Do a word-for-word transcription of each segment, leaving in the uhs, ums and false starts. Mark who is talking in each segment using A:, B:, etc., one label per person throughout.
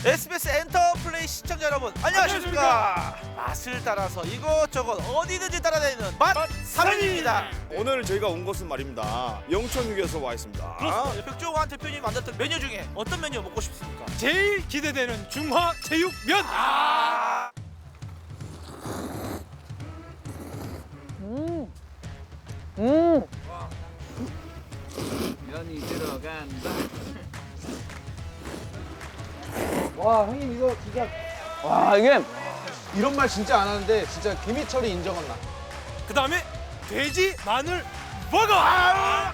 A: 에스비에스 엔터플레이 시청자 여러분 안녕하십니까. 맛을 따라서 이것저것 어디든지 따라다니는 맛삼입니다.
B: 오늘 저희가 온 곳은 말입니다. 영천육에서 와 있습니다.
A: 그렇습니다. 백종환 대표님이 만들었던 메뉴 중에 어떤 메뉴 먹고 싶습니까?
C: 제일 기대되는 중화제육면.
A: 아
D: 음.
E: 면이 들어간다.
D: 와 형님 이거 진짜 와 이게 이런 말 진짜 안 하는데 진짜 김희철이 인정한 맛.
C: 그 다음에 돼지 마늘 버거. 아!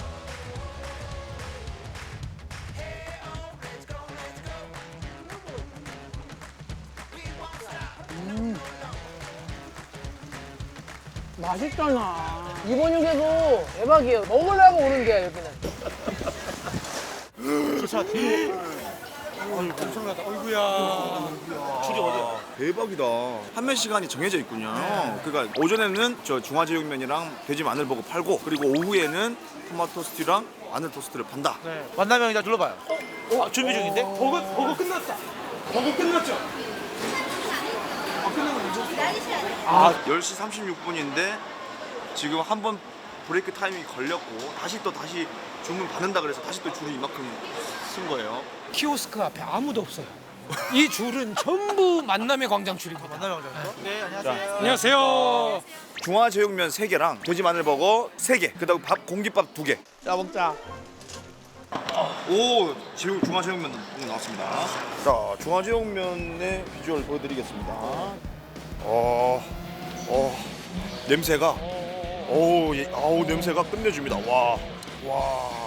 D: 맛있잖아. 이번 육에도 대박이에요. 먹으려고 오는 게 여기는.
A: 진짜 뒤에
C: 어이, 엄청나다. 어이구야.
A: 줄이 어디야?
B: 대박이다. 판매 시간이 정해져 있군요. 그러니까 오전에는 저 중화제육면이랑 돼지 마늘버거 팔고 그리고 오후에는 토마토 스튜랑 마늘 토스트를 판다.
A: 네. 만나면 이제 눌러봐요. 아, 준비 중인데?
C: 버거 버거 끝났다. 버거 끝났죠? 아, 끝난 거 괜찮아.
B: 아, 열 시 삼십육 분인데 지금 한 번 브레이크 타임이 걸렸고 다시 또 다시 주문 받는다 그래서 다시 또 줄이 이만큼 쓴 거예요.
C: 키오스크 앞에 아무도 없어요. 이 줄은 전부 만남의 광장 줄입니다.
A: 만나면 장이요? 네, 안녕하세요.
C: 안녕하세요.
B: 중화제육면 세 개랑 돼지 마늘버거 세 개, 그다음 밥 공깃밥 두 개.
A: 자, 먹자.
B: 오, 제육 중화제육면 나왔습니다. 자, 중화제육면의 비주얼 보여드리겠습니다. 어, 어, 냄새가, 오, 예, 아우 냄새가 끝내줍니다. 와, 와.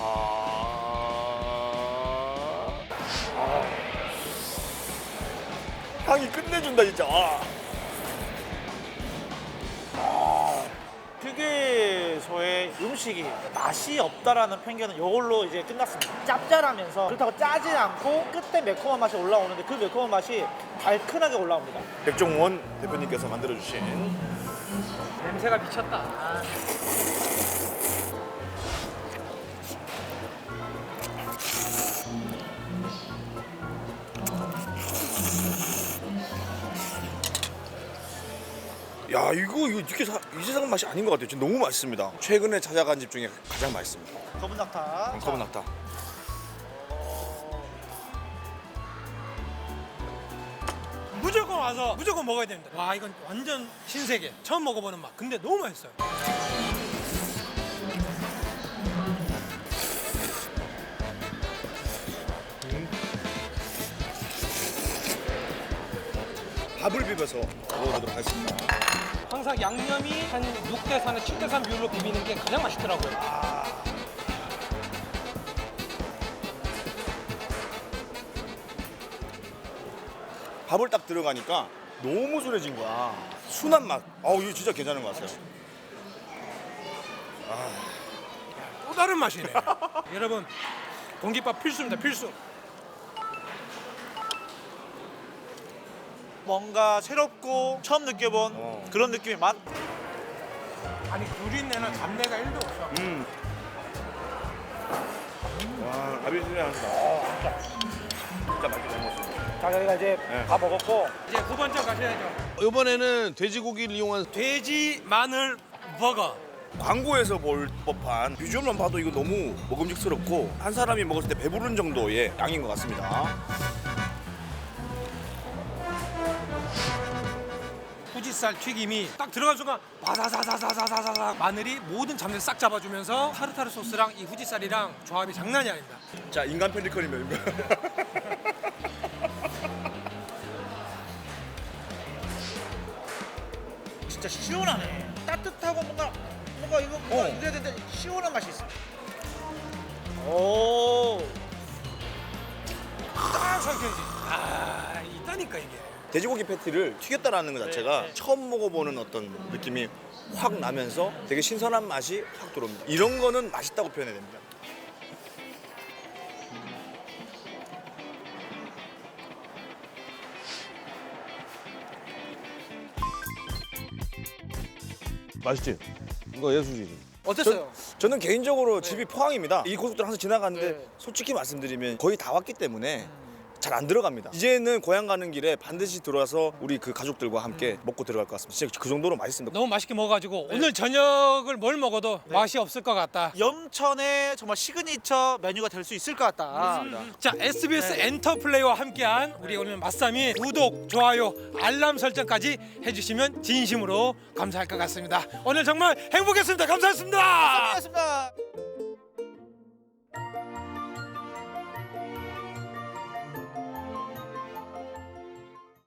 B: 향이 끝내준다 진짜. 아.
A: 휴게소의 음식이 맛이 없다라는 편견은 이걸로 이제 끝났습니다. 짭짤하면서 그렇다고 짜지 않고 끝에 매콤한 맛이 올라오는데 그 매콤한 맛이 달큰하게 올라옵니다.
B: 백종원 대표님께서 만들어주신
C: 냄새가 미쳤다. 아.
B: 야 이거 이거 이렇게 사, 이 세상 맛이 아닌 것 같아요. 지금 너무 맛있습니다. 최근에 찾아간 집 중에 가장 맛있습니다.
A: 검은 낙타.
B: 검은 낙타.
C: 무조건 와서 무조건 먹어야 됩니다. 와 이건 완전 신세계. 처음 먹어보는 맛. 근데 너무 맛있어요.
B: 밥을 비벼서 먹어보도록 하겠습니다.
C: 항상 양념이 한 육 대 사나 칠 대 삼 비율로 비비는 게 가장 맛있더라고요.
B: 밥을 딱 들어가니까 너무 순해진 거야. 순한 맛. 어우 이거 진짜 괜찮은 것 같아요.
C: 또 다른 맛이네. 여러분 공깃밥 필수입니다. 필수.
A: 뭔가 새롭고 처음 느껴본
B: 어.
A: 그런 느낌의 맛.
C: 아니 누린내나 잡내가 일도 없어.
B: 음. 와 밥이 순해한다. 진짜 맛있게 잘 먹었습니다.
A: 자, 저희가 이제
B: 네.
A: 다 먹었고
C: 이제 두 번째 가셔야죠.
D: 이번에는 돼지고기를 이용한
C: 돼지 마늘 버거.
B: 광고에서 볼 법한 비주얼만 봐도 이거 너무 먹음직스럽고 한 사람이 먹었을 때 배부른 정도의 양인 것 같습니다.
C: 후지살 튀김이 딱 들어간 순간 바사사사사사사사 마늘이 모든 잡내를 싹 잡아주면서 타르타르 소스랑 이 후지살이랑 조합이 장난이 아닙니다.
B: 자 인간 펠리컨이면 이거.
A: 진짜 시원하네. 따뜻하고 뭔가 뭔가 이거 뭔가
B: 어.
A: 이래야 되는데 시원한 맛이 있어. 오.
C: 딱 삼켜지. 아 있다니까 이게.
B: 돼지고기 패티를 튀겼다라는 것 자체가 처음 먹어보는 어떤 느낌이 확 나면서 되게 신선한 맛이 확 들어옵니다. 이런 거는 맛있다고 표현해야 됩니다.
D: 맛있지? 이거 예술이지.
A: 어땠어요?
B: 저는 개인적으로 집이 포항입니다. 이 고속도로 항상 지나가는데
A: 네.
B: 솔직히 말씀드리면 거의 다 왔기 때문에 잘 안 들어갑니다. 이제는 고향 가는 길에 반드시 들어와서 우리 그 가족들과 함께 먹고 들어갈 것 같습니다. 진짜 그 정도로 맛있습니다.
C: 너무 맛있게 먹어가지고 오늘 저녁을 뭘 먹어도 맛이 없을 것 같다.
A: 영천의 정말 시그니처 메뉴가 될 수 있을 것 같다.
C: 자, 에스비에스 엔터플레이와 함께한 우리 오늘 맛삼이 구독, 좋아요, 알람 설정까지 해주시면 진심으로 감사할 것 같습니다. 오늘 정말 행복했습니다. 감사했습니다.
A: 고맙습니다.